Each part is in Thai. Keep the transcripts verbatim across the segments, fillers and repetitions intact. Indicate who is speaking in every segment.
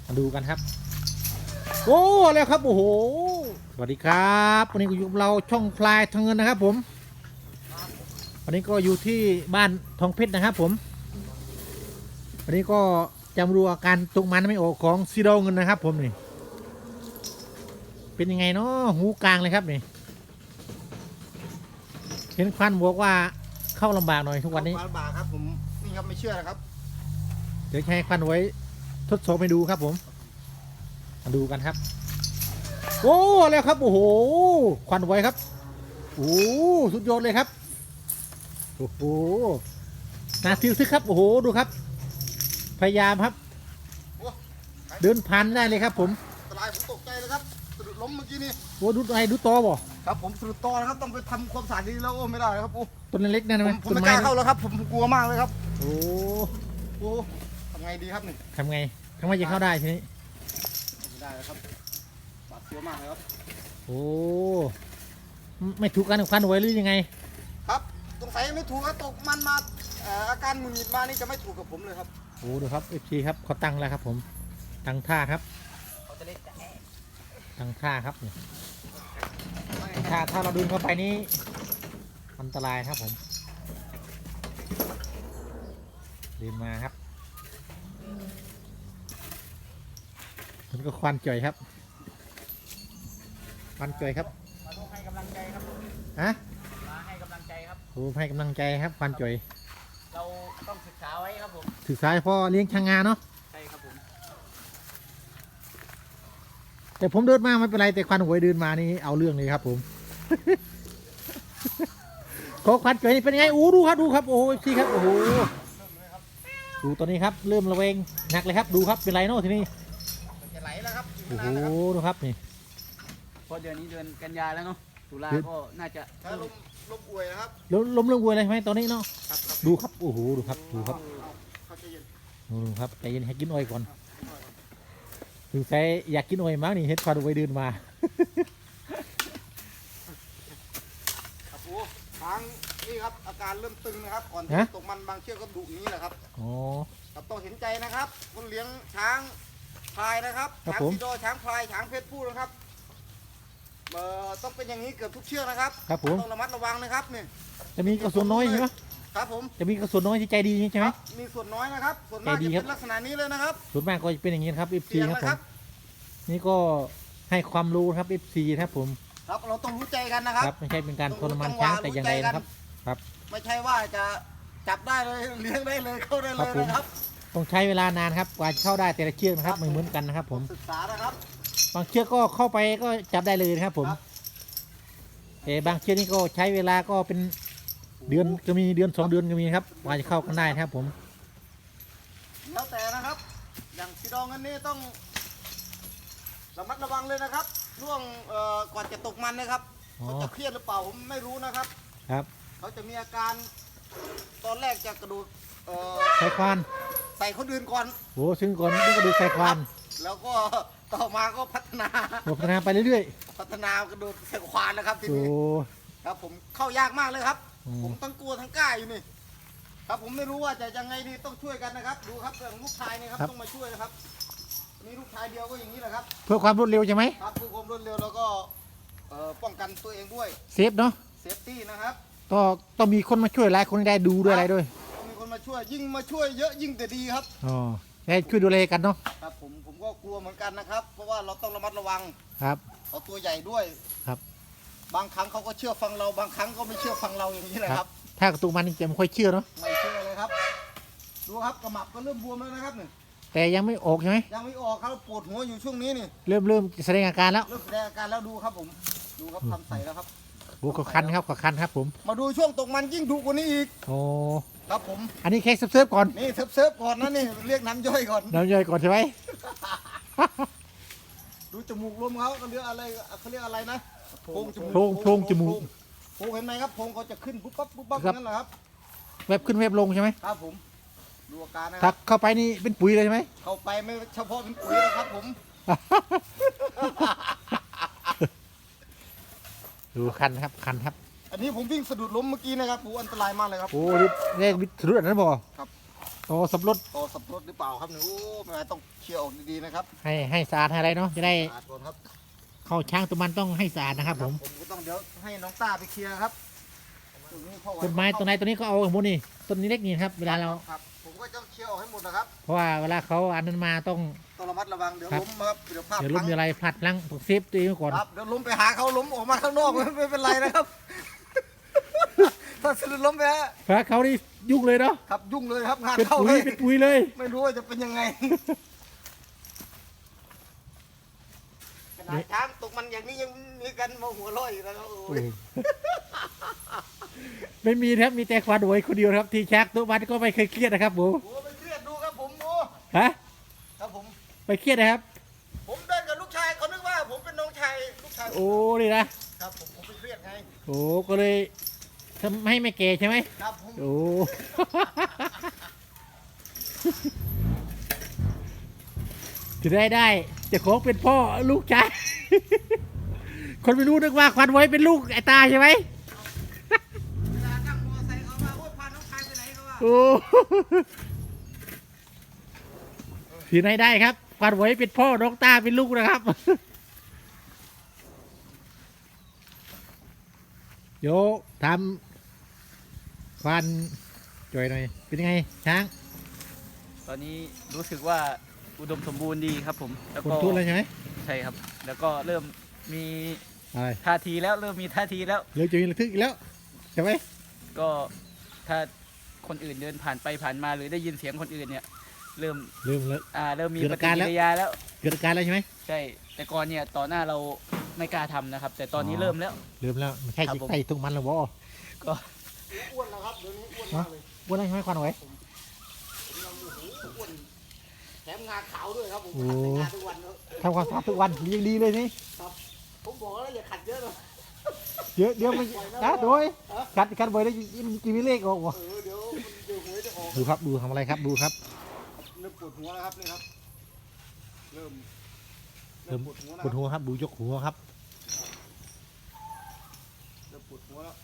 Speaker 1: มาดูกันครับโอ้แล้วครับโอ้โหสวัสดีครับวันนี้ก็อยู่กับเราช่องพลายทองเงินนะครับผมวันนี้ก็อยู่ที่บ้านทองเพชรนะครับผมวันนี้ก็จะมาดูอาการตกมันไม่ออกของซีโร่เงินนะครับผมนี่เป็นยังไงเนาะหูกลางเลยครับนี่เห็นควันบอกว่าเข้าลำบากหน่อยทุกวันนี้
Speaker 2: ลำบากครับผมนี่ครับไม่เชื่อนะครับ
Speaker 1: เดี๋ยวใช้ควันไว้ทดสอบให้ดูครับผมมาดูกันครับโอ้แล้วครับโอ้โหควันไว้ครับโอ้สุดยอดเลยครับโอ้โหน่าทึ่งซึกครับโอ้โหดูครับพยายามครับเดินผ่านได้เลยครับผม
Speaker 2: สลายผมตกใจเลยครับสะดุดล้มเมื่อกี้นี่
Speaker 1: โอ้ดูอะไรดูตอบ่
Speaker 2: ครับผมสะดุดตอนะครับต้องไปทำความสะอาดดีแล้วโอ้ไม่ได้ครับโอ้
Speaker 1: ต้นเล็กนั่นไหม
Speaker 2: ผมไม่กล้าเข้าแล้วครับผมกลัวมากเลยครับ
Speaker 1: โอ้
Speaker 2: โหทำไงดีครับนี่
Speaker 1: ทำไงทำไมจะเข้าได้ทีนี้
Speaker 2: ไม่ได้แล้วครับบาดเจ็บมากเลยครับ
Speaker 1: โอ้ไม่ถูกกันควันไว้หรือยังไง
Speaker 2: ครับสงสัยไม่ถูกครับตกมันมาอาการหงุดหงิดมานี่จะไม่ถูกกับผมเลยครับ
Speaker 1: โอ้ดูครับเอฟซีครับเขาตั้งแล้วครับผมตั้งท่าครับ
Speaker 2: เขาจะเล่นแต่
Speaker 1: ตั้งท่าครับนี่ถ้าถ้าเราดึงเข้าไปนี้อันตรายครับผมดึงมาครับมันก็ควันจ่อยครับควันจ่อยครับ
Speaker 2: มาให้กำลังใจครับ
Speaker 1: ฮะ
Speaker 2: มาให้กำลังใจครับ
Speaker 1: โอ้ให้กำลังใจครับควันจ่อย
Speaker 2: เราต้องศึกษาไว้ครับผม
Speaker 1: ศึกษาพ่อเลี้ยงช้างงาเนาะ
Speaker 2: ใช่ครับผม
Speaker 1: แต่ผมเดินมาไม่เป็นไรแต่ควันหวยเดินมานี่เอาเรื่องเลยครับผมขอควันจ่อยเป็นไงอู้ดูครับดูครับโอ้ยพี่ครับโอ้โหดูตอนนี้ครับเริ่มระเวงหนักเลยครับดูครับเป็นไรเนาะทีนี้
Speaker 2: จะไหลแล้วครับ
Speaker 1: โอ้โหดูครับนี่
Speaker 2: เพราะเดือนนี้เดือนกันยาแล้วเนาะตุลาก็น่าจะลมลมอวยนะครับ
Speaker 1: ล้มล้มเรื่องวัวอะไรไหมตอนนี้เนาะดูครับโอ้โหดูครับดูครับดูครับใจเย็นให้กินอ้อยก่อนถึงใจอยากกินอ้อยมากนี่เห็นควันไว้เดินมา
Speaker 2: ครับโอ้ช้างนี่ครับอาการเริ่มตึงนะครับก่อนตกมันบางเชือกก็ดุนี้แหละครับ
Speaker 1: อ๋อ
Speaker 2: ครับต้องเห็นใจนะครับคนเลี้ยงช้างพลายนะครับช้างซีโดช้างพลายช้างเพชรผู้นะครับเอ่อต้องเป็นอย่างนี้เกือบทุกเชือกนะครับ
Speaker 1: ครับผม
Speaker 2: ต้องระมัดระวังนะครับนี่
Speaker 1: จะมีกระสุนน้อยใช่ไหม
Speaker 2: ครับผม
Speaker 1: จะมีกระสุนน้อยที่ใจดีใช่ไหม
Speaker 2: มีส่วนน้อยนะครับส่วนมากจะเป็นลักษณะนี้เลยนะครับ
Speaker 1: ส่วนมากก็จะเป็นอย่างนี้ครับเอฟซีครับผมนี่ก็ให้ความรู้ครับเอฟซีครับผม
Speaker 2: ครับเราต้องรู้ใจกันนะครับ
Speaker 1: ไม่ใช่เป็นการทรมานช้างแต่อย่างไรนะครับครับ
Speaker 2: ไม่ใช่ว่าจะจับได้เลยเลี้ยงได้เลยเข้าได้เลยนะครับ
Speaker 1: ต้องใช้เวลานานครับกว่าจะเข้าได้แต่ละเชือกนะครับไม่เหมือนกันนะครับผม
Speaker 2: ศึกษานะครับ
Speaker 1: บางเชือกก็เข้าไปก็จับได้เลยนะครับผมแต่บางเชือกนี่ก็ใช้เวลาก็เป็นเดือนก็มีเดือนสองเดือนก็มีครับกว่าจะเข้ากันได้นะครับผม
Speaker 2: แล้วแต่นะครับอย่างสีดองอันนี้ต้องระมัดระวังเลยนะครับช่วงก่อนจะตกมันนะครับเขาจะเครียดหรือเปล่าผมไม่รู้นะครับ
Speaker 1: ครับ
Speaker 2: เขาจะมีอาการตอนแรกจะกระโดด
Speaker 1: ใส่ควาน
Speaker 2: ใส่คนอื่นก่อน
Speaker 1: โอ้ซึ่งก่อนนี่กระโดดใส่ควาน
Speaker 2: แล้วก็ต่อมาก็พัฒนา
Speaker 1: พัฒนาไปเรื่อย
Speaker 2: ๆพัฒนากระโดดใส่ควานนะครับทีนี้ครับผมเข้ายากมากเลยครับผมทั้งกลัวทั้งกล้าอยู่นี่ครับผมไม่รู้ว่าจะยังไงดีต้องช่วยกันนะครับดูครับเรื่องลูกชายนี่ครับต้องมาช่วยนะครับนี่ลูกชายเดียวก็อย่างนี้แหละครับ
Speaker 1: เพื่อความรวดเร็วใช่ไหม
Speaker 2: ครับเพื่อความรวดเร็วแล้วก็ป้องกันตัวเองด้วย
Speaker 1: เซฟเนาะ
Speaker 2: เซฟตี้นะครับ
Speaker 1: ก็ต้องมีคนมาช่วยหลายคนได้ดูด้วยอะไรด้วย
Speaker 2: ต้องมีคนมาช่วยยิ่งมาช่วยเยอะยิ่งแต่ดีครับ
Speaker 1: อ๋อให้ช่วยดูแลกันเนาะ
Speaker 2: ครับผมผมก็กลัวเหมือนกันนะครับเพราะว่าเราต้องระมัดระวัง
Speaker 1: ครับ
Speaker 2: เขาตัวใหญ่ด้วย
Speaker 1: ครับ
Speaker 2: บางครั้งเขาก็เชื่อฟังเราบางครั้งก็ไม่เชื่อฟังเราอย่างนี้แหละครับ
Speaker 1: ถ้ากระตุกมันจะไม่ค่อยเชื่อเนาะ
Speaker 2: ไม่เชื่อเลยครับดูครับกระหมับก็เริ่มบวมแล้วนะครับนี่
Speaker 1: แต่ยังไม่ออกใช่ไหม
Speaker 2: ยังไม่ออกครับปวดหัวอยู่ช่วงนี้นี่
Speaker 1: เริ่มเริ่มแสดงอาการแล้ว
Speaker 2: เริ่มแสดงอาการแล้วดูครับผมดูครับทำใส่แล้วครับ
Speaker 1: โอ้ขคันครับขคันครับผม
Speaker 2: มาดูช่วงตกมันยิ่งดุกว่านี้อีก
Speaker 1: โอ้
Speaker 2: ครับผม
Speaker 1: อันนี้แค่เซิร์ฟก่อน
Speaker 2: นี่เซิร์ฟเซิร์ฟก่อนนะนี่เรียกน้ำย่อยก่อน
Speaker 1: น้ำย่อยก่อนใช่ไหม
Speaker 2: ดูจมูกลมเขาเขาเรียกอะไรเขาเรียกอะไรนะ
Speaker 1: โพรงจมูกโพรงโพรงจมูก
Speaker 2: โพรงเห็นไหมครับโพรงเขาจะขึ้นปุ๊บปั๊บปุ๊บปั๊บนั่นแหละครับ
Speaker 1: เว็บขึ้นเว็บลงใช่ไหม
Speaker 2: ครับผมดูอาการนะ
Speaker 1: ถ้าเข้าไปนี่เป็นปุ๋ยเลยใช่ไหม
Speaker 2: เข้าไปไม่เฉพาะเป็นปุ๋ยนะครับผม
Speaker 1: ดูคันครับคันครับ
Speaker 2: อันนี้ผมวิ่งสะดุดล้มเมื่อกี้นะครับโอ้อันตรายมากเลยครับ
Speaker 1: โอ้เรียกวิทยุอันนั้นบ่
Speaker 2: ครับ
Speaker 1: โอ้ต่อสับรถ
Speaker 2: ต่อสับรถหรือเปล่าครับเนี่ยโอ้ไม่ต้องเคลียร์ออกดีๆนะครับ
Speaker 1: ให้ให้สะอาดให้อะไรเนาะจะได้
Speaker 2: สะอาดก่อนครับ
Speaker 1: เข้าช่างตัวมันต้องให้สะอาดนะครับผม
Speaker 2: ผมก็ต้องเดี๋ยวให้น้องต้าไปเคลียร์ครับตรงนี้พ่อ
Speaker 1: ต้นไม้ต้นไหนต้นนี้ก็เอาหมดนี่ต้นนี้เล็กนี่ครับเวลาเรา
Speaker 2: ครับผมก็ต้องเคลียร์ออกให้หมดนะครับ
Speaker 1: เพราะว่าเวลาเขาอันนั้นมาต้อง
Speaker 2: ต้องระมัดระวังเดี๋ยว
Speaker 1: ครับ
Speaker 2: ล้มครับเดี๋ยวพลาด
Speaker 1: เดี๋ยวล้ม
Speaker 2: พลั้ง
Speaker 1: เดี๋ยวอะไรพลัดพลั้งต้องเซฟตัวเองไว้ก่อน
Speaker 2: ครับเดี๋ยวล้มไปหาเขาล้มออกมาข้างนอก ไม่เป็นไรนะครับ ถ้าสลุดล้มไปฮะ
Speaker 1: เพราะเขานี่ยุ่งเลยเนาะ
Speaker 2: ครับยุ่งเลยครับงาน
Speaker 1: เป็น
Speaker 2: เข้า
Speaker 1: ปุ๋
Speaker 2: เลย ย
Speaker 1: เป็นปุ๋ยเลย
Speaker 2: ไม่รู้ว่าจะเป็นยังไงขนาดช้างตกมันอย่างนี้ยังมีกันมาหัวเร้อยอยู่แล้วครับโอ้ย
Speaker 1: ไม่มีครับมีแต่ควันโวยคนเดียวครับที่ชักตัวมันก็ไม่เคยเครียดนะครับผม
Speaker 2: โอ้ไปเครียดดูครับผมโอ้
Speaker 1: ฮะ
Speaker 2: ครับผม
Speaker 1: ไปเครียดนะครับ
Speaker 2: ผมเดินกับลูกชายเขานึกว่าผมเป็นน้องชายลูกชายผม
Speaker 1: โอ้นี่นะครับ
Speaker 2: ผมผมไปเครียดไง
Speaker 1: โอ้ก็เลยทำให้ไม่เกใช่ไหม
Speaker 2: ครับผม
Speaker 1: โอ้ จะได้ได้เจะของเป็นพ่อลูกชาย คนไม่รู้นึกว่าควันไว้เป็นลูกไอ้ตาใช่ไหม
Speaker 2: เวลานั่งมอไซค์เขาว่าโอ้ยพาน้องชายไปไหนเขาว่า
Speaker 1: โอ้ ที่ไหนได้ครับควันไว้เป็นพ่อน้องตาเป็นลูกนะครับ เดี๋ยวทำควันจ่อยหน่อยเป็นยังไงช้าง
Speaker 3: ตอนนี้รู้สึกว่าอุดมสมบูรณ์ดีครับผมแล้ว
Speaker 1: คน
Speaker 3: ก็
Speaker 1: ทุนเลยใช่ไหม
Speaker 3: ใช่ครับ แล้วก็เริ่มมี
Speaker 1: อะไร
Speaker 3: ท่าทีแล้วเริ่มมีท่าทีแล้ว
Speaker 1: เดี๋ยวจะมีระทึกอีกแล้วใช่ไหม
Speaker 3: ก็ถ้าคนอื่นเดินผ่านไปผ่านมาหรือได้ยินเสียงคนอื่นเนี่ยเริ่ม
Speaker 1: ลืมแล้ว
Speaker 3: อ่าเริ่มมี
Speaker 1: เกิด
Speaker 3: ป
Speaker 1: อา
Speaker 3: ฏิ
Speaker 1: การ
Speaker 3: กิ
Speaker 1: แล้ว
Speaker 3: ริยาแล้ว
Speaker 1: เกิดอาการแล้วใช่ไหม
Speaker 3: ใช่แต่ก่อนเนี่ยต่อหน้าเราไม่กล้าทำนะครับ แต่ตอนนี้เริ่มแล้ว
Speaker 1: ลืมแล้วไม่ใช่
Speaker 3: ครับ
Speaker 1: จิก
Speaker 3: ผม
Speaker 1: ไก่ตรงมันหรอวะ
Speaker 3: ก็
Speaker 2: อ้วนแล้วครับเดี๋ยวนี้อ้วนมากเลย
Speaker 1: วันนั้นใช่ไหมควันไว้
Speaker 2: ผมยังโอ้โหอ้วนแถมงาขาวด้วยครับผม
Speaker 1: โอ้
Speaker 2: ขัดแต่งาทุกวันครับ
Speaker 1: ทำความสะอาดทุกวันยังดีเลยนี่
Speaker 2: ผมบอกแล้วอย่าขัดเยอะเลย
Speaker 1: เดี๋ยวเดี๋ยวมันนะโดยกัดกัดบ่อยแล้วมันจะมีเลขออกวะ
Speaker 2: เออเดี๋ยวมันเดี๋ยวหวยจะออก
Speaker 1: ดูครับดูทำอะไรครับดูครับ
Speaker 2: เริ่มปวดหัวแล้วครับนี่ครับเริ่ม
Speaker 1: เริ่ม
Speaker 2: ปวดหัว
Speaker 1: ปวดหัวครับดูยกหัวครับ
Speaker 2: เริ่มปวดหัวแล้ว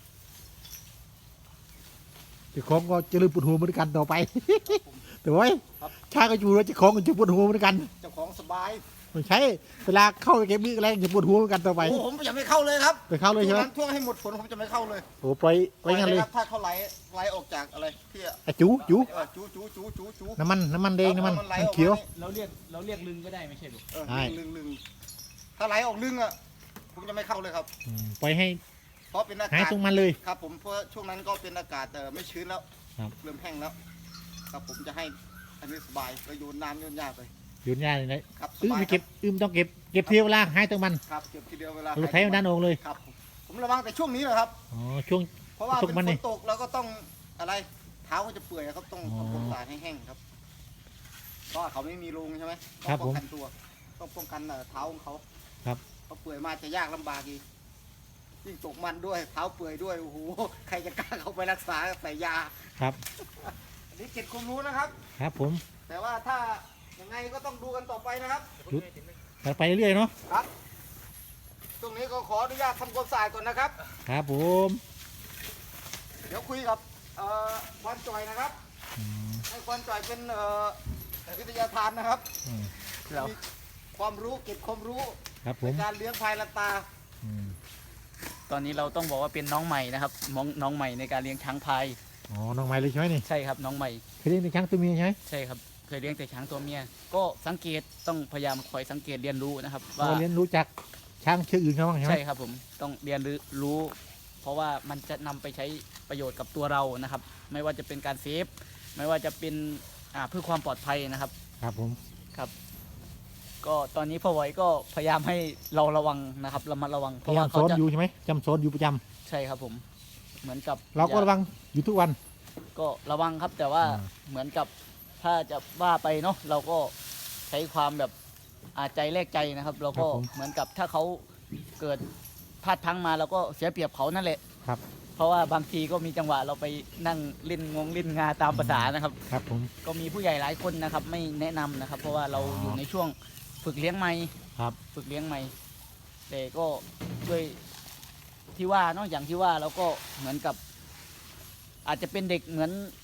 Speaker 1: เจ้าของก็จะลืมปวดหัวเหมือนกันต่อไป แต่ว่าชาก็อยู่แล้วเจ้าของก็จะปวดหัวเหมือนกัน
Speaker 2: เจ้าของสบาย
Speaker 1: ไม่ใช่เวลาเข้าไปเก็บมีดอะไรจะปวดหัวเหมือนกันต่อไป
Speaker 2: โอ้ผมจะไม่เข้าเลยครับ
Speaker 1: ไปเข้าเลยใช่ไหม
Speaker 2: ช่วงนั้นช่วงให้หมดฝนผมจะไม่เข้าเลย
Speaker 1: โอ้ปล่อยไว้งั้นเลย
Speaker 2: ครับถ้าเขาไหลไหลออกจากอะไรที่
Speaker 1: ไอ้จูจู
Speaker 2: เออจูจูจูจูจู
Speaker 1: น้ำมันน้ำมันแดงน้ำมัน
Speaker 2: อาไหล
Speaker 1: น้ำ
Speaker 2: ออก
Speaker 1: เขียว
Speaker 2: มานี่
Speaker 3: เราเรียกเราเรียกลึงก็ได้ไม่ใช่หรือ
Speaker 2: เออ
Speaker 1: ใช่
Speaker 2: ลึงลึงถ้าไหลออกลึงอ่ะผมจะไม่เข้าเลยครับ
Speaker 1: อืมปล่อยให้
Speaker 2: เพราะเป็นอา
Speaker 1: หาย
Speaker 2: กาศ
Speaker 1: ตรงมันเลย
Speaker 2: ครับผมเพราะช่วงนั้นก็เป็นอากาศเออไม่ชื้นแล้ว
Speaker 1: ครับ
Speaker 2: เริ่มแห้งแล้วครับผมจะให้อันนี้สบายก็โยนน้ำโยนหญ้าไป
Speaker 1: โยนยาเลยนะครับ
Speaker 2: ส
Speaker 1: อื้อบ
Speaker 2: าย
Speaker 1: ไม่
Speaker 2: ค
Speaker 1: เก็
Speaker 2: รั
Speaker 1: บบ อื้อต้องเก็บเก็บเที่ยวเวลาหายตรงมัน
Speaker 2: ครับเก็บทีเดียวเวลา
Speaker 1: เราใช้ด้านโองเลย
Speaker 2: ครับผมผมระวังแต่ช่วงนี้แหละครับ
Speaker 1: อ๋อช่วง
Speaker 2: เพราะว่า
Speaker 1: ช่ว
Speaker 2: เป็
Speaker 1: ง
Speaker 2: น
Speaker 1: มัน
Speaker 2: ฝ
Speaker 1: นี่
Speaker 2: นตกแล้วก็ต้องอะไรเท้าก็จะเปื่อยครับต้อง
Speaker 1: อ๋อ
Speaker 2: ต้องป้องกันให้แห้งครับเพราะว่าเขาไม่มีรูใช่ไหม
Speaker 1: ครั
Speaker 2: ต้อบ งป้อง
Speaker 1: ผม
Speaker 2: กันตัวต้องป้องกันเอ่อเท้าของเขา
Speaker 1: ครับ
Speaker 2: เขาเปื่อยมาจะยากลำบากอีกยิ่งตกมันด้วยเท้าเปื่อยด้วยโอ้โหใครจะกล้าเข้าไปรักษาใส่ยา
Speaker 1: ครับ
Speaker 2: อันนี้เก็บความรู้นะครับ
Speaker 1: ครับผม
Speaker 2: แต่ว่าถ้ายังไงก็ต้องดูกันต่อไปนะครับ
Speaker 1: ดูตัดไปเรื่อยๆเนาะ
Speaker 2: ครับตรงนี้ก็ขออนุญาตทำความสะอาดก่อนนะครับ
Speaker 1: ครับผม
Speaker 2: เดี๋ยวคุยกับเอ่อควันจอยนะครับ
Speaker 1: อืม
Speaker 2: ให้ควันจอยเป็นเอ่อวิทยาทานนะครับ
Speaker 1: อืม
Speaker 3: เรา
Speaker 2: มีความรู้เก็บความรู้
Speaker 1: ครับผ
Speaker 2: ใน
Speaker 1: ม
Speaker 2: การเลี้ยงพายลันตา
Speaker 1: อืม
Speaker 3: ตอนนี้เราต้องบอกว่าเป็นน้องใหม่นะครับน้องน้องใหม่ในการเลี้ยงช้างพาย
Speaker 1: อ๋อน้องไม้เลยใช่ไหมนี่
Speaker 3: ใช่ครับน้องใหม่
Speaker 1: เคยเลี้ยงในช้างตัวเมียใช่ไหม
Speaker 3: ใช่ครับเคยเลี้ยงแต่ช้างตัวเมีย ก็สังเกตต้องพยายามคอยสังเกตเรียนรู้นะครับ
Speaker 1: เรา
Speaker 3: ว่า
Speaker 1: เรียนรู้จากช้างเชือกอื่นเขาบ้างใช่ไหม
Speaker 3: ใช่ครับผมต้องเรียนรู้ เพราะว่ามันจะนำไปใช้ประโยชน์กับตัวเรานะครับ ไม่ว่าจะเป็นการเซฟไม่ว่าจะเป็นอ่าเพื่อความปลอดภัยนะครับ
Speaker 1: ครับผม
Speaker 3: ครับ ก็ตอนนี้พ่อไว้ก็พยายามให้เราระวังนะครับระมัดระวังเพ
Speaker 1: พยา
Speaker 3: ราะ
Speaker 1: ยา
Speaker 3: ว่าม
Speaker 1: ส
Speaker 3: เขา
Speaker 1: อน
Speaker 3: จะ
Speaker 1: อยู่ใช่ไหมจำสอนอยู่ประจำ
Speaker 3: ใช่ครับผม เหมือนกับ
Speaker 1: เราก็ระวังอยู่ทุกวัน
Speaker 3: ก็ระวังครับ แต่ว่า
Speaker 1: อ่า
Speaker 3: เหมือนกับถ้าจะว่าไปเนาะเราก็ใช้ความแบบอาใจแลกใจนะครับ เราก็เหมือนกับถ้าเขาเกิดพลาดพลั้งมาเราก็เสียเปรียบเขานั่นแหละ
Speaker 1: ครับ
Speaker 3: เพราะว่าบางทีก็มีจังหวะเราไปนั่งเล่นงงเล่นงาตามภาษานะครับ
Speaker 1: ครับผม
Speaker 3: ก็มีผู้ใหญ่หลายคนนะครับ ไม่แนะนำนะครับ เพราะว่าเราอยู่ในช่วงฝึกเลี้ยงใหม่
Speaker 1: ครับ
Speaker 3: ฝึกเลี้ยงใหม่แต่ก็ด้วยที่ว่าเนาะอย่างที่ว่าเราก็เหมือนกับ อาจจะเป็นเด็กเหมือน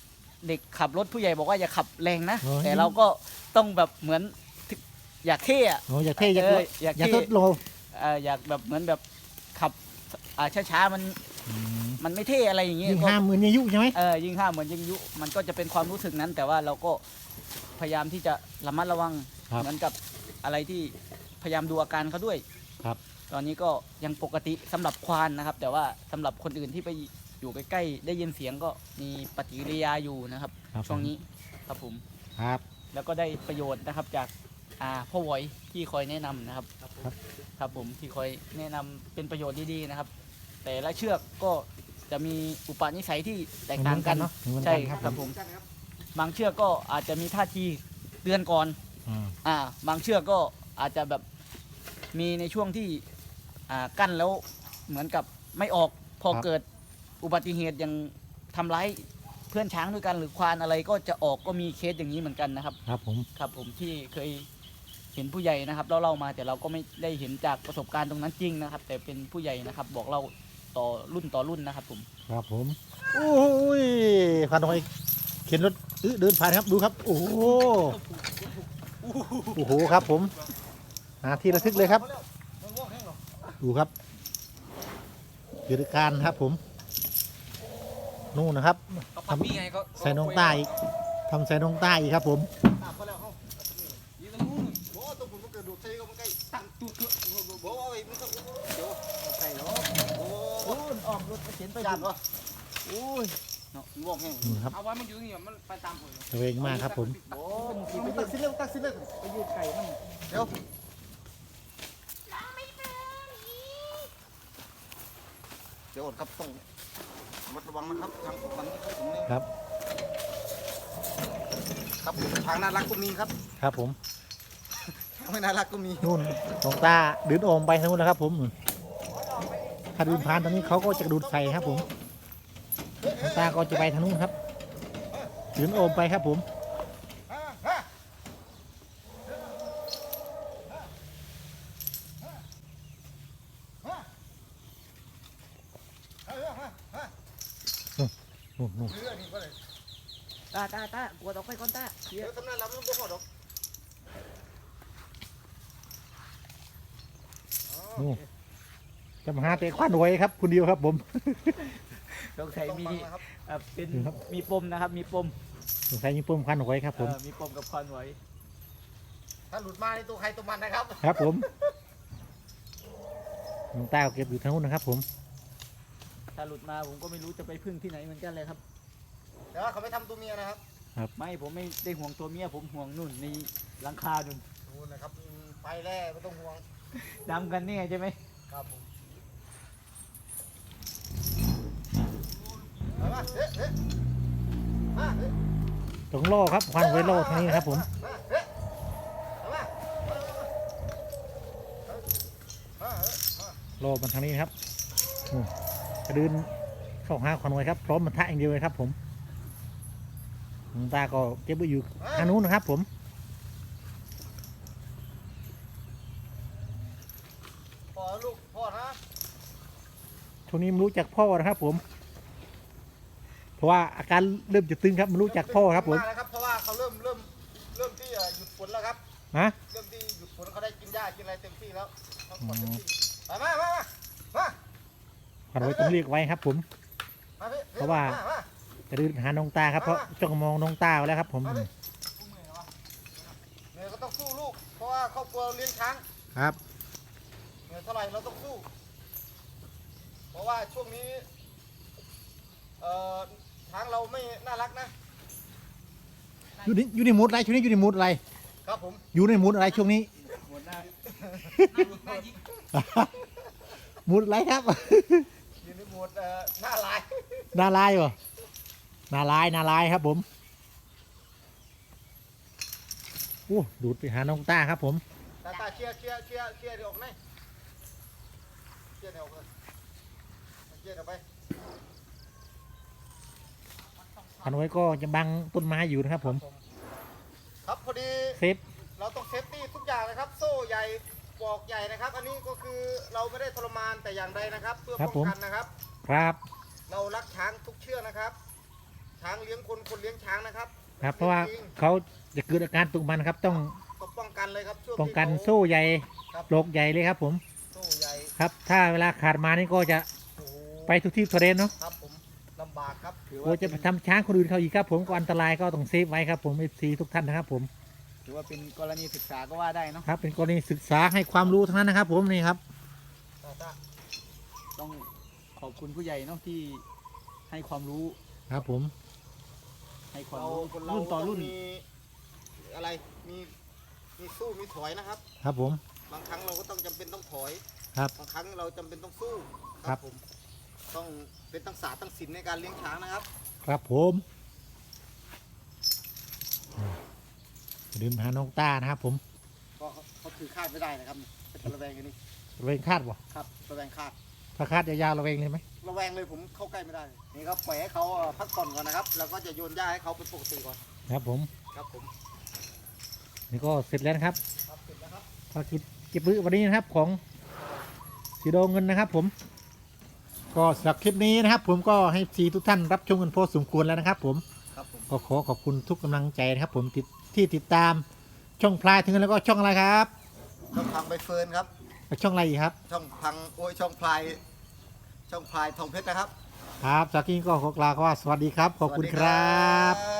Speaker 3: เด็กขับรถผู้ใหญ่บอกว่าอย่าขับแรงนะ
Speaker 1: โอ้ย
Speaker 3: แต่เราก็ต้องแบบเหมือนอยากเท่อะ
Speaker 1: โอ้อยากเท่อยาก
Speaker 3: เอออยาก
Speaker 1: อยาก
Speaker 3: เท่
Speaker 1: ทดโล
Speaker 3: เอ่ออยากแบบเหมือนแบบขับอ่าช้าๆมันมันไม่เท่อะไรอย่างเงี้ย
Speaker 1: ยิ่ง
Speaker 3: ก็
Speaker 1: ห้ามมืออายุใช่ไหม
Speaker 3: เออยิงห้ามเหมือนยิงยุมันก็จะเป็นความรู้สึกนั้น แต่ว่าเราก็พยายามที่จะระมัดระวัง
Speaker 1: ครับ
Speaker 3: เหมือนกับอะไรที่พยายามดูอาการเขาด้วย
Speaker 1: ครับ
Speaker 3: ตอนนี้ก็ยังปกติสำหรับควานนะครับ แต่ว่าสำหรับคนอื่นที่ไปอยู่ใกล้ๆได้ยินเสียงก็มีปฏิกิริยาอยู่นะครับ
Speaker 1: ครับ
Speaker 3: ช่วงนี้ครับผม
Speaker 1: ครับ
Speaker 3: แล้วก็ได้ประโยชน์นะครับจากอ่าพ่อหวอยที่คอยแนะนำนะครับ
Speaker 1: ครับ
Speaker 3: ครับผมที่คอยแนะนำเป็นประโยชน์ดีๆนะครับ แต่ละเชือกก็จะมีอุปนิสัยที่แตกต่างกัน
Speaker 1: เหมือนกันเนอะเหมือนกัน
Speaker 3: ใช่
Speaker 1: ครับ
Speaker 3: ครับ
Speaker 1: ผ
Speaker 3: ผม มบางเชือกก็อาจจะมีท่าทีเตือนก่อน
Speaker 1: อ่า
Speaker 3: อ่าบางเชือกก็อาจจะแบบมีในช่วงที่อ่ากั้นแล้วเหมือนกับไม่ออกพอเกิดอุบัติเหตุอย่างทำร้ายเพื่อนช้างด้วยกันหรือควานอะไรก็จะออกก็มีเคสอย่างนี้เหมือนกันนะครับ
Speaker 1: ครับผม
Speaker 3: ครับผมที่เคยเห็นผู้ใหญ่นะครับเล่าเล่ามาแต่เราก็ไม่ได้เห็นจากประสบการณ์ตรงนั้นจริงนะครับ แต่เป็นผู้ใหญ่นะครับ บอกเราต่อรุ่นต่อรุ่นนะครับผม
Speaker 1: ครับผมโอ้ยผ่านตรงไอ้เข็นรถอื้อเดินผ่านครับดูครับ โอ้โหโอ้โหครับผมหาที่ระทึกเลยครับ ดูครับกิจการครับผมนู่นนะครับ
Speaker 2: เขาพับพี่ไงก็
Speaker 1: ใส่น้องใต้อีกทำใส่น้องใต้อีกครับผม
Speaker 2: ตามเขาแล้วเขายืนตรงนู้นโอ้ตัวผมมันเกิดดูดใส่ก็มันใกล้ตั้งตัวเกือบบอกว่าไอ้มันก็เดี๋ยวใส่เนาะโอ้
Speaker 3: โอ้ยอ้อมรถเข็นไป
Speaker 2: ยานวะ
Speaker 3: โอ้ย
Speaker 2: เนาะงอกแห้ง
Speaker 1: นู่นครับ
Speaker 2: เอาไว้มันอยู่นี่มันไปตามผม
Speaker 1: ตะเวงมากครับผม
Speaker 3: โอ้ย
Speaker 2: มันตักสิเร็วตักสิเร็ว
Speaker 3: ไปยืดไก่มัน
Speaker 2: เดี๋ยวเดี๋ยวอดครับต้องระมัดระวังนะครับทางฝั่งนี้ผมเนี่ย
Speaker 1: ครับ
Speaker 2: ครับผมทางน่ารักก็มีครับ
Speaker 1: ครับผม
Speaker 2: ทางไม่น่ารักก็มี
Speaker 1: นู่นน้องตาดืนโอมไปทางนู้นแล้วครับผมถ้าดืนผ่านตรงนี้เขาก็จะดูดใส่ครับผมน้องตาก็จะไปทางนู้นครับดืนโอมไปครับผม นู่นนู่น
Speaker 2: เรือนี่ก็เลย
Speaker 3: ตาตาตากวดออกไปก่อนตาเดี๋
Speaker 2: เดี๋
Speaker 3: ย
Speaker 2: ยว วทำนั้นเราไม่ต้องบอกหรอก
Speaker 1: นู่นจะมาหาเตะควันไว้ครับคุณเดียวครับผม
Speaker 3: สงสัยมี
Speaker 2: ต้องฟังนะครับ
Speaker 3: เอ่อเป็น
Speaker 1: นี่ครับ
Speaker 3: มีปมนะครับ มีปม
Speaker 1: สงสัยมีปุ่มควันไว้ครับผม
Speaker 3: เอ่อมีปมกับควันไว้
Speaker 2: ถ้าหลุดมาในตัวใครตัวมันนะครับ
Speaker 1: ครับผมน้องตาก็เก็บอยู่ทางนู้นนะครับผม
Speaker 3: ถ้าหลุดมาผมก็ไม่รู้จะไปพึ่งที่ไหนเหมือนกันเลยครับ
Speaker 2: แต่ว่าเขาไม่ทำตัวเมียนะครับ
Speaker 3: ไม่ผมไม่ได้ห่วงตัวเมียผมห่วงนู่นในหลังคานู่น
Speaker 2: ดูนะครับอืมไปแล้วไม่ต้องห่วง
Speaker 3: ดำกันเนี่ยใช่ไหม
Speaker 2: ครับผมมามาเฮ้เฮ้มาเฮ้
Speaker 1: ตรงโล่ครับควันไว้โล่ทางนี้นะครับผม
Speaker 2: มาเฮ้มามามามา
Speaker 1: โล่มันทางนี้นะครับนู่นกระดืนเข้าหาควันไว้ครับพร้อมมันทะอย่างเดียวเลยครับผมน้องตาก็เก็บไว้อยู่ทางนู้นนะครับผม
Speaker 2: พ่อลูกพ่อนะ
Speaker 1: ช่วงนี้มันรู้จักพ่อนะครับผม เพราะว่าอาการเริ่มจะตึงครับมันรู้จักพ่อครับผม
Speaker 2: าแล้วครับเพราะว่าเขาเริ่มเริ่มเริ่มที่จะหยุดฝนแล้วครับ
Speaker 1: ฮะ
Speaker 2: เริ่มที่หยุดฝนเขาได้กินหญ้ากินอะไรเต็มที่แล้วเขาขอเต็มที่ไปมามามามา
Speaker 1: ควันไว้ต้องเรียกไว้ครับผม
Speaker 2: มาพี่
Speaker 1: เพราะว่า
Speaker 2: มม
Speaker 1: จะดืนหาน้องตาครับเพราะจ้องมองน้องตาไว้แล้วครับผม
Speaker 2: มาพี่เหนื่อยก็ต้องสู้ลูก เพราะว่าครอบครัวเลี้ยงช้าง
Speaker 1: ครับ
Speaker 2: เหนื่อยเท่าไหร่เราต้องสู้ เพราะว่าช่วงนี้เอ่อช้างเราไม่น่ารักนะ
Speaker 1: อยู่ในอยู่ในมูดอะไรช่วงนี้อยู่ในมูดอะไร
Speaker 2: ครับผม
Speaker 1: อยู่ในมูดอะไรช่วงนี้
Speaker 3: หมดหน้า
Speaker 1: มูดอะไรครับ
Speaker 2: อยู่ในโหมดเอ่อหน้าลาย
Speaker 1: นาลายเหรอนาลายนาลายครับผมโอ้ดูดไปหาน้องตาครับผม
Speaker 2: ตาตาเชียร์เชียร์เชียร์เชียร์เดี๋ยวออกไหนเชียร์เดี๋ยวออกเลยเชียร์เดี๋ยวไป
Speaker 1: พันไว้ก็จะบังต้นไม้อยู่นะครับผม
Speaker 2: ครับพอดี
Speaker 1: เซฟ
Speaker 2: เราต้องเซฟตี้ทุกอย่างนะครับ โซ่ใหญ่ปลอกใหญ่นะครับ อันนี้ก็คือเราไม่ได้ทรมานแต่อย่างใดนะครับ เพื่อป้องกันนะครับ
Speaker 1: ครับ
Speaker 2: เรารักช้างทุกเชือกนะครับ ชช้างเลี้ยงคนคนเลี้ยงช้างนะครับ
Speaker 1: ครับเพราะว่าเขาจะเกิดอาการตุกมันครับต้อง
Speaker 2: ต้องป้องกันเลยครับช่วง
Speaker 1: ป้องกัน
Speaker 2: ที่เขา
Speaker 1: โซ่ใหญ่
Speaker 2: ครับ
Speaker 1: โลกใหญ่เลยครับผม
Speaker 2: โซ่ใหญ่
Speaker 1: ครับ ถ้าเวลาขาดมานี่ก็จะ
Speaker 2: โอ้โห
Speaker 1: ไปทุกที่ทุกเรนเนาะ
Speaker 2: ครับผมลำบากครับถือ
Speaker 1: โอ้
Speaker 2: ว่า
Speaker 1: จะไปทำช้างคนอื่นเขาอีกครับผมก็อันตรายก็ต้องเซฟไว้ครับผมเอฟซีทุกท่านนะครับผม
Speaker 3: ถือว่าเป็นกรณีศึกษาก็ว่าได้เนาะ
Speaker 1: ครับเป็นกรณีศึกษาให้ความรู้ทั้งนั้นนะครับผมนี่ครับ
Speaker 3: ต้องขอบคุณผู้ใหญ่เนาะที่ให้ความรู้
Speaker 1: ครับผม
Speaker 3: ให้ความ
Speaker 2: เรา
Speaker 3: รู้
Speaker 2: คนเรา
Speaker 3: รุ่นต่อรุ่น
Speaker 2: งมีอะไรมีมีสู้มีถอยนะครับ
Speaker 1: ครับผม
Speaker 2: บางครั้งเราก็ต้องจำเป็นต้องถอย
Speaker 1: ครับ
Speaker 2: บางครั้งเราจำเป็นต้องสู้
Speaker 1: ครับ
Speaker 2: ผมต้องเป็นตั้งศาสตร์ตั้งศิลป์ในการเลี้ยงช้างนะครับ
Speaker 1: ครับผมดื่มหาน้องต้านะครับผม
Speaker 2: ก็เขาเขาถือคาดไม่ได้นะครับเป็นระแวงกันนี่
Speaker 1: ระเวงคาดบ่
Speaker 2: ครับระแวงคาด
Speaker 1: ถ้าคาดยาวๆระเวงเลยไหม
Speaker 2: ระแวงเลยผมเข้าใกล้ไม่ได้นี่ครับปล่อยให้เขาเอ่อพักผ่อนก่อนนะครับแล้วก็จะโยนหญ้าให้เขาเป็นปกติก่อน
Speaker 1: ครับผม
Speaker 2: ครับผม
Speaker 1: นี่ก็เสร็จแล้วนะครับ
Speaker 2: ครับเสร็จแล้วครับ
Speaker 1: ภารกิจเก็บมือวันนี้นะครับของสีโดเงินนะครับ ผม ก็สำหรับคลิปนี้นะครับ ผมก็ให้สีทุกท่านรับชมกันพอสมควรแล้วนะครับ ผม
Speaker 2: ครับผม
Speaker 1: ก็ขอขอบคุณทุกกำลังใจนะครับ ผมติดที่ติดตามช่องพลายถึงแล้วก็ช่องอะไรครับ
Speaker 2: ช่องพังใบเฟิร์นครับ
Speaker 1: ช่องอะไรอีกครับ
Speaker 2: ช่องพังโอ้ยช่องพลายช่องพลายทองเพชรนะครับ
Speaker 1: ครับจากนี้ก็ขอกล่าวคำว่าสวัสดีครับ ขอบคุณครับ
Speaker 2: สวัสดี